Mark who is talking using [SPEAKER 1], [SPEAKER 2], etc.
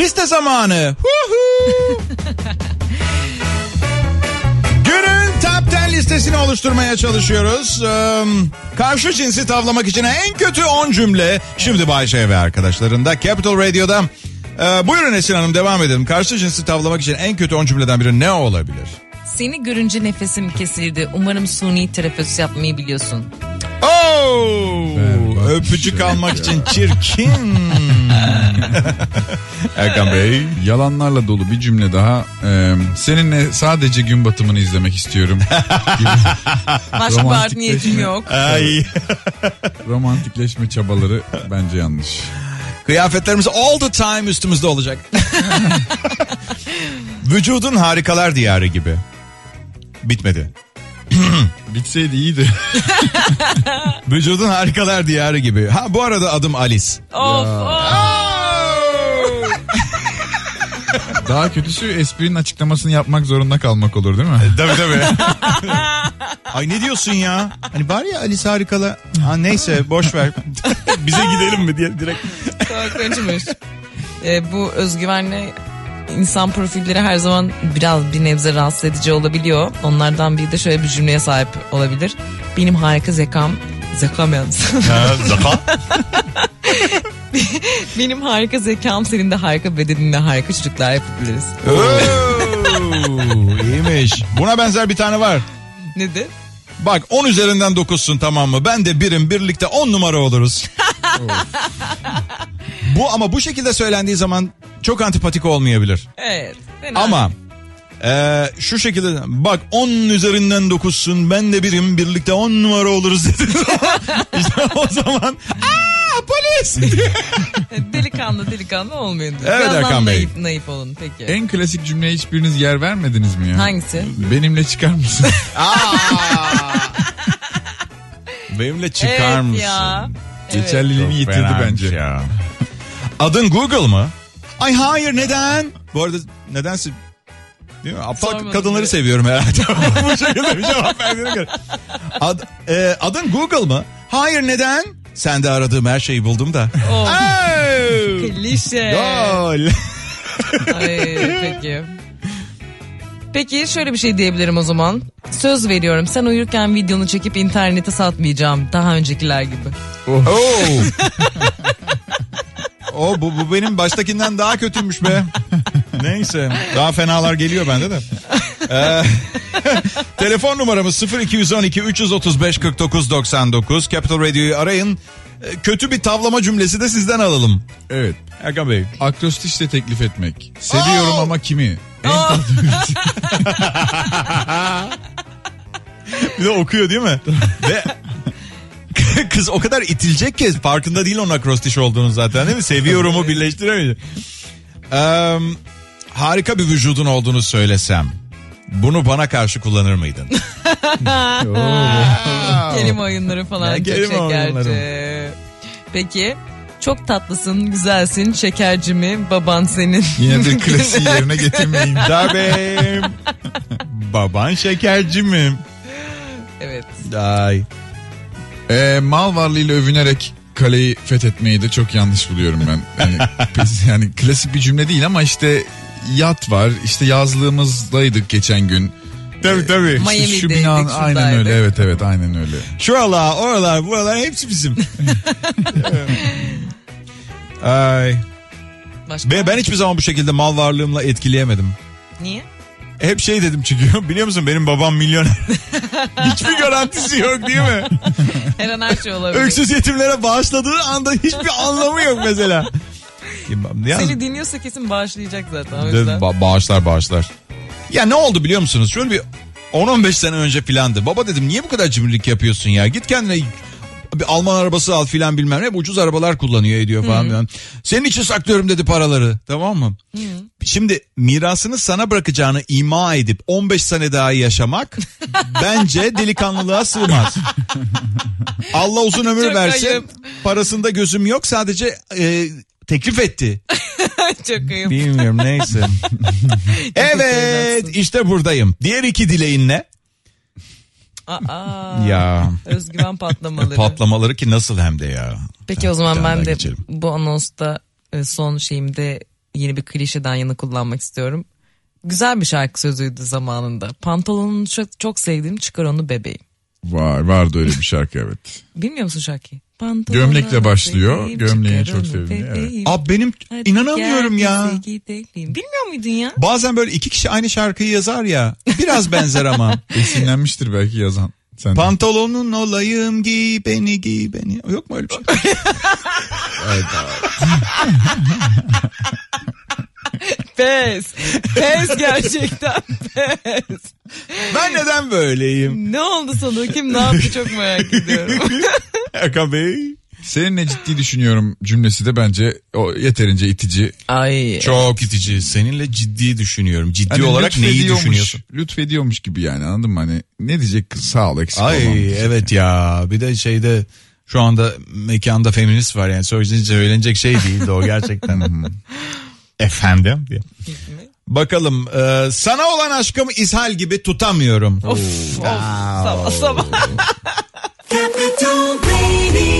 [SPEAKER 1] liste zamanı. Günün Top 10 listesini oluşturmaya çalışıyoruz. Karşı cinsi tavlamak için en kötü 10 cümle. Şimdi Bayşe ve arkadaşlarında Capital Radio'da. Buyurun Esin Hanım, devam edelim. Karşı cinsi tavlamak için en kötü 10 cümleden biri ne olabilir?
[SPEAKER 2] Seni görünce nefesim kesildi. Umarım suni teneffüs yapmayı biliyorsun.
[SPEAKER 1] Öpücük almak için çirkin. Erkan Bey.
[SPEAKER 3] Yalanlarla dolu bir cümle daha. Seninle sadece gün batımını izlemek istiyorum.
[SPEAKER 2] Başka bir art niyetim yok.
[SPEAKER 1] Ay.
[SPEAKER 3] Romantikleşme çabaları bence yanlış.
[SPEAKER 1] Kıyafetlerimiz all the time üstümüzde olacak. Vücudun harikalar diyarı gibi. Bitmedi.
[SPEAKER 3] Bitseydi iyiydi.
[SPEAKER 1] Vücudun harikalar diyarı gibi. Ha, bu arada adım Alice.
[SPEAKER 2] Of.
[SPEAKER 3] Daha kötüsü esprinin açıklamasını yapmak zorunda kalmak olur değil mi?
[SPEAKER 1] Tabii. Ay ne diyorsun ya? Hani var ya Alice harikalar. Ha, neyse boş ver. Bize gidelim mi diye direkt.
[SPEAKER 2] Korkunçmuş. Bu özgüvenle insan profilleri her zaman biraz bir nebze rahatsız edici olabiliyor. Onlardan biri de şöyle bir cümleye sahip olabilir. Benim harika zekam yalnız.
[SPEAKER 1] Zeka?
[SPEAKER 2] Benim harika zekam, senin de harika bedeninle harika çocuklar yapabiliriz.
[SPEAKER 1] İyiymiş. Buna benzer bir tane var.
[SPEAKER 2] Nedir?
[SPEAKER 1] Bak 10 üzerinden 9'sun, tamam mı? Ben de birim, birlikte 10 numara oluruz. Bu ama bu şekilde söylendiği zaman çok antipatik olmayabilir.
[SPEAKER 2] Evet.
[SPEAKER 1] Ama şu şekilde bak 10 üzerinden 9'sun, ben de birim, birlikte 10 numara oluruz dedi. İşte o zaman polis.
[SPEAKER 2] delikanlı olmayın.
[SPEAKER 1] Evet
[SPEAKER 2] Birazdan
[SPEAKER 1] Erkan Bey.
[SPEAKER 2] naif olun peki.
[SPEAKER 3] En klasik cümleye hiçbiriniz yer vermediniz mi ya?
[SPEAKER 2] Hangisi?
[SPEAKER 3] Benimle çıkar mısın?
[SPEAKER 1] Benimle çıkar mısın?
[SPEAKER 2] Ya.
[SPEAKER 3] Geçerliliğini yitirdi
[SPEAKER 1] Fenaymış
[SPEAKER 3] bence.
[SPEAKER 1] Ya. Adın Google mı? Ay hayır, neden? Bu arada nedense değil mi? Aptal
[SPEAKER 2] Sormadım
[SPEAKER 1] kadınları
[SPEAKER 2] diye.
[SPEAKER 1] seviyorum herhalde. Bu şekilde bir cevap verdiğine göre. Adın Google mı? Hayır, neden? Sen de aradığım her şeyi buldum da.
[SPEAKER 2] Klişe.
[SPEAKER 1] Gol.
[SPEAKER 2] Ay, peki. Peki şöyle bir şey diyebilirim o zaman. Söz veriyorum, sen uyurken videonu çekip internete satmayacağım. Daha öncekiler gibi.
[SPEAKER 1] Bu benim baştakinden daha kötüymüş be. Neyse, daha fenalar geliyor bende de. Telefon numaramız 0212 335 49 99. Capital Radio'yu arayın. Kötü bir tavlama cümlesi de sizden alalım.
[SPEAKER 3] Evet.
[SPEAKER 1] Erkan Bey.
[SPEAKER 3] Akrostişle teklif etmek. Seviyorum ama kimi? En tatlı.
[SPEAKER 1] Bir de okuyor değil mi? Ve kız o kadar itilecek ki farkında değil onun akrostiş olduğunu zaten, değil mi? Seviyorumu birleştiremeyecek. Harika bir vücudun olduğunu söylesem, bunu bana karşı kullanır mıydın?
[SPEAKER 2] Kelime oyunları falan çok
[SPEAKER 1] kelime
[SPEAKER 2] şekerci.
[SPEAKER 1] oyunları.
[SPEAKER 2] Peki, çok tatlısın, güzelsin, şekercimi, baban senin.
[SPEAKER 3] Yine bir klasiği yerine getirmeyin.
[SPEAKER 1] Tabii. Baban şekerci mi?
[SPEAKER 2] Evet.
[SPEAKER 1] Ay.
[SPEAKER 3] Mal varlığıyla övünerek kaleyi fethetmeyi de çok yanlış buluyorum ben. Yani klasik bir cümle değil ama işte yat var. İşte yazlığımızdaydık geçen gün.
[SPEAKER 1] Tabii.
[SPEAKER 3] İşte
[SPEAKER 2] Miami'deydik,
[SPEAKER 3] şu binanın aynen
[SPEAKER 2] şuradaydık.
[SPEAKER 3] öyle. Evet aynen öyle.
[SPEAKER 1] Şuralar, oralar, buralar hepsi bizim. Ay.
[SPEAKER 2] Başka?
[SPEAKER 1] Ben hiçbir zaman bu şekilde mal varlığımla etkileyemedim.
[SPEAKER 2] Niye?
[SPEAKER 1] Hep şey dedim çünkü, biliyor musun, benim babam milyoner. Hiçbir garantisi yok değil mi?
[SPEAKER 2] Her an her şey olabilir.
[SPEAKER 1] Öksüz yetimlere bağışladığı anda hiçbir anlamı yok mesela.
[SPEAKER 2] Seni dinliyorsa kesin bağışlayacak zaten o yüzden.
[SPEAKER 1] Bağışlar. Ya ne oldu biliyor musunuz? Şöyle bir 10-15 sene önce filandı. Baba dedim, niye bu kadar cimrilik yapıyorsun ya? Git kendine bir Alman arabası al filan, bilmem ne. Hep ucuz arabalar kullanıyor ediyor falan. Senin için saklıyorum dedi paraları. Tamam mı? Şimdi mirasını sana bırakacağını ima edip 15 sene daha yaşamak bence delikanlılığa sığmaz. Allah uzun ömür
[SPEAKER 2] Çok
[SPEAKER 1] versin.
[SPEAKER 2] ayıp.
[SPEAKER 1] Parasında gözüm yok, sadece teklif etti.
[SPEAKER 2] Çok ayıp.
[SPEAKER 1] Bilmiyorum, neyse. Evet, işte buradayım. Diğer iki dileğin ne? Ya.
[SPEAKER 2] Özgüven patlamaları.
[SPEAKER 1] Patlamaları ki nasıl hem de ya.
[SPEAKER 2] Peki o zaman
[SPEAKER 1] Bir tane
[SPEAKER 2] ben
[SPEAKER 1] daha
[SPEAKER 2] de
[SPEAKER 1] geçelim.
[SPEAKER 2] bu anonsta son şeyimde yeni bir klişeden yana kullanmak istiyorum. Güzel bir şarkı sözüydü zamanında. Pantolonunu çok sevdiğim, çıkar onu bebeğim.
[SPEAKER 3] Vardı öyle bir şarkı, evet.
[SPEAKER 2] Bilmiyor musun şarkıyı?
[SPEAKER 3] Gömlekle başlıyor.
[SPEAKER 2] Bebeğim,
[SPEAKER 3] Gömleği
[SPEAKER 2] çıkar
[SPEAKER 3] çok
[SPEAKER 2] onu
[SPEAKER 3] sevdim. Evet.
[SPEAKER 2] bebeğim.
[SPEAKER 1] Abi benim
[SPEAKER 2] Hadi
[SPEAKER 1] inanamıyorum
[SPEAKER 2] gel
[SPEAKER 1] ya.
[SPEAKER 2] bize gidelim. Bilmiyor muydun ya?
[SPEAKER 1] Bazen böyle iki kişi aynı şarkıyı yazar ya. Biraz benzer ama.
[SPEAKER 3] Esinlenmiştir belki yazan. Sen
[SPEAKER 1] Pantolonun olayım, giy beni giy beni. Yok mu öyle bir şey?
[SPEAKER 3] evet,
[SPEAKER 2] Pes gerçekten pes.
[SPEAKER 1] Ben neden böyleyim?
[SPEAKER 2] Ne oldu sana? Kim ne yaptı çok merak ediyorum.
[SPEAKER 1] Erkan Bey.
[SPEAKER 3] seninle ciddi düşünüyorum cümlesi de bence o yeterince itici.
[SPEAKER 2] Ay.
[SPEAKER 1] Çok itici. Seninle ciddi düşünüyorum. Ciddi
[SPEAKER 3] Hani
[SPEAKER 1] olarak neyi düşünüyorsun?
[SPEAKER 3] Lütfediyormuş gibi yani, anladın mı? Hani ne diyecek kız, sağ ol, eksik olmam.
[SPEAKER 1] Ay evet ya. Bir de şeyde şu anda mekanda feminist var yani. Söylenecek şey değildi o gerçekten. Efendim diye. Bakalım sana olan aşkımı ishal gibi tutamıyorum.
[SPEAKER 2] Of sabah sabah.
[SPEAKER 4] Capital Radio.